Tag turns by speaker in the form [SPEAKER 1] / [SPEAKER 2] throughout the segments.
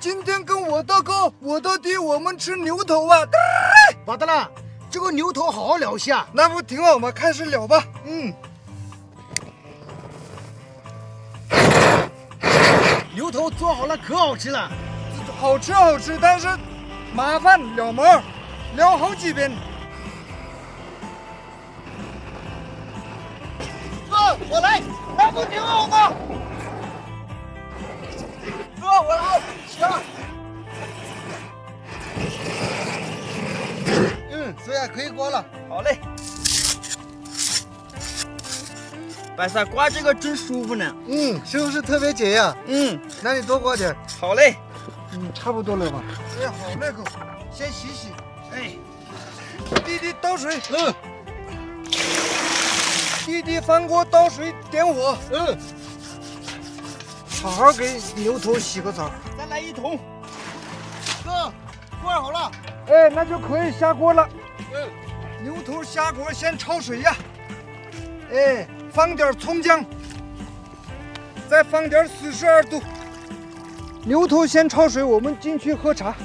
[SPEAKER 1] 今天跟我大哥、我大弟我们吃牛头啊！
[SPEAKER 2] 巴德拉，这个牛头好好聊下。
[SPEAKER 1] 那不挺好吗？开始聊吧。
[SPEAKER 2] 牛头做好了，可好吃了。
[SPEAKER 1] 好吃好吃，但是麻烦撩毛，撩好几遍。
[SPEAKER 2] 哥，我来，
[SPEAKER 1] 那不挺好吗？
[SPEAKER 2] 哥，我来，行。
[SPEAKER 1] 这样可以刮了。
[SPEAKER 2] 好嘞。白沙刮这个真舒服呢。
[SPEAKER 1] 是不是特别解压？那你多刮点。
[SPEAKER 2] 好嘞。
[SPEAKER 1] 差不多了吧？哎，好那口，先洗洗。
[SPEAKER 2] 哎，
[SPEAKER 1] 弟弟倒水。弟弟翻锅倒水，点火。好好给牛头洗个澡。
[SPEAKER 2] 再来一桶。哥，锅好了。
[SPEAKER 1] 哎，那就可以下锅了。牛头下锅先焯水呀。哎，放点葱姜，再放点42度。牛头先焯水，我们进去喝茶。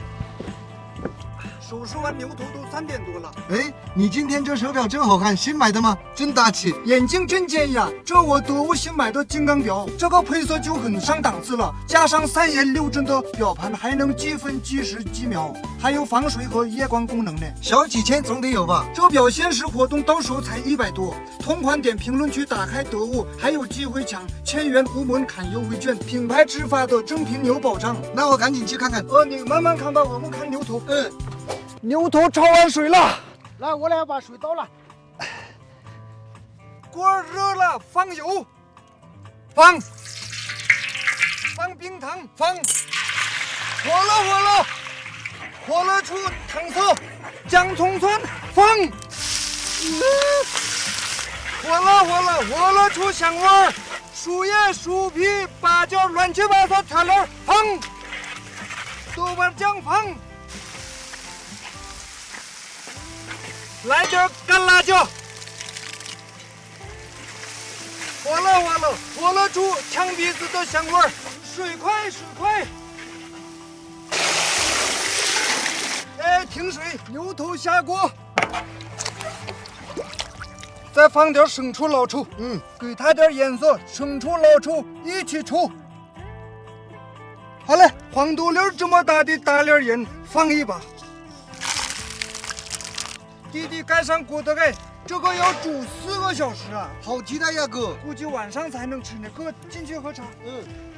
[SPEAKER 1] 手术完牛头都3点多了。
[SPEAKER 3] 哎，你今天这手表真好看，新买的吗？真大气。
[SPEAKER 1] 眼睛真尖呀！这我得物新买的金刚表，这个配色就很上档次了，加上3颜6帧的表盘，还能计分、计时、计秒，还有防水和夜光功能呢。
[SPEAKER 3] 小几千总得有吧？
[SPEAKER 1] 这表限时活动到手才100多，同款点评论区打开得物，还有机会抢1000元无门槛优惠券，品牌直发的正品有保障。
[SPEAKER 3] 那我赶紧去看看。
[SPEAKER 1] 你慢慢看吧，我们看牛头。牛头焯完水了，
[SPEAKER 2] 来，我来把水倒了。
[SPEAKER 1] 锅热了，放油，放冰糖，放，火了出糖色，姜葱蒜放，火了出香味儿，树叶、树皮、八角、乱七八糟调料放，豆瓣酱放。来点干辣椒，火了出呛鼻子的香味儿，水快，哎，停水，牛头下锅，再放点生抽、老抽，给它点颜色，生抽、老抽一起出。好嘞，黄豆粒这么大的大粒盐放一把。弟弟盖上锅的盖，这个要煮4个小时啊！
[SPEAKER 3] 好期待呀，哥！
[SPEAKER 1] 估计晚上才能吃呢。哥，进去喝茶。